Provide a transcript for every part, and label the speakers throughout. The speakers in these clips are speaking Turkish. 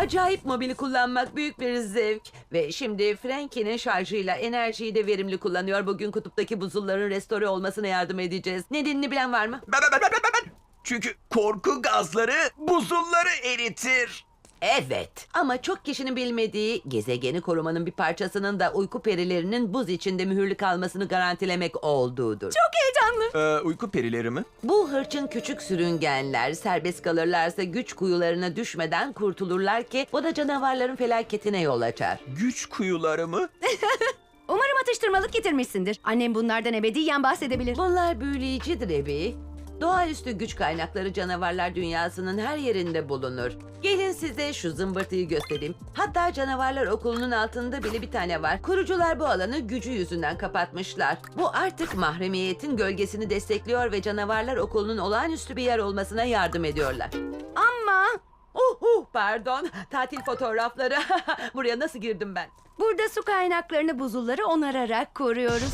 Speaker 1: Acayip mobili kullanmak büyük bir zevk. Ve şimdi Frankie'nin şarjıyla enerjiyi de verimli kullanıyor. Bugün kutuptaki buzulların restore olmasına yardım edeceğiz. Nedenini bilen var mı?
Speaker 2: Ben. Çünkü korku gazları buzulları eritir.
Speaker 1: Evet. Ama çok kişinin bilmediği gezegeni korumanın bir parçasının da uyku perilerinin buz içinde mühürlü kalmasını garantilemek olduğudur.
Speaker 2: Uyku perileri mi?
Speaker 1: Bu hırçın küçük sürüngenler serbest kalırlarsa güç kuyularına düşmeden kurtulurlar ki bu da canavarların felaketine yol açar.
Speaker 2: Güç kuyuları mı?
Speaker 3: Umarım atıştırmalık getirmişsindir. Annem bunlardan ebediyen bahsedebilir.
Speaker 1: Bunlar büyüleyicidir Ebi. Doğaüstü güç kaynakları canavarlar dünyasının her yerinde bulunur. Gelin size şu zımbırtıyı göstereyim. Hatta canavarlar okulunun altında bile bir tane var. Kurucular bu alanı gücü yüzünden kapatmışlar. Bu artık mahremiyetin gölgesini destekliyor ve canavarlar okulunun olağanüstü bir yer olmasına yardım ediyorlar.
Speaker 3: Ama
Speaker 1: Pardon. Tatil fotoğrafları. Buraya nasıl girdim ben?
Speaker 3: burada su kaynaklarını buzulları onararak koruyoruz.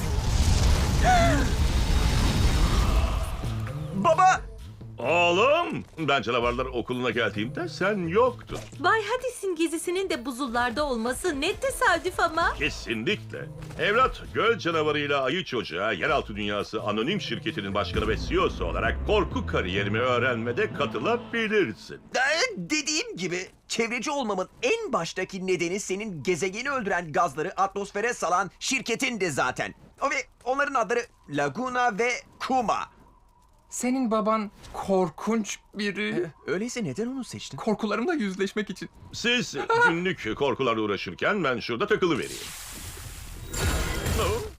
Speaker 2: Baba!
Speaker 4: Oğlum, ben canavarlar okuluna geldiğimde sen yoktun.
Speaker 5: Bay Hadis'in gezisinin de buzullarda olması ne tesadüf ama.
Speaker 4: Kesinlikle. Evlat, göl canavarıyla ayı çocuğa Yeraltı Dünyası Anonim Şirketi'nin başkanı ve CEO'su olarak korku kariyerimi öğrenmede katılabilirsin.
Speaker 2: Dediğim gibi çevreci olmamın en baştaki nedeni senin gezegeni öldüren gazları atmosfere salan şirketin de zaten. Ve onların adları Laguna ve Kuma.
Speaker 6: Senin baban korkunç biri.
Speaker 2: Öyleyse neden onu seçtin?
Speaker 6: Korkularımla yüzleşmek için.
Speaker 4: Siz günlük korkularla uğraşırken ben şurada takılıvereyim.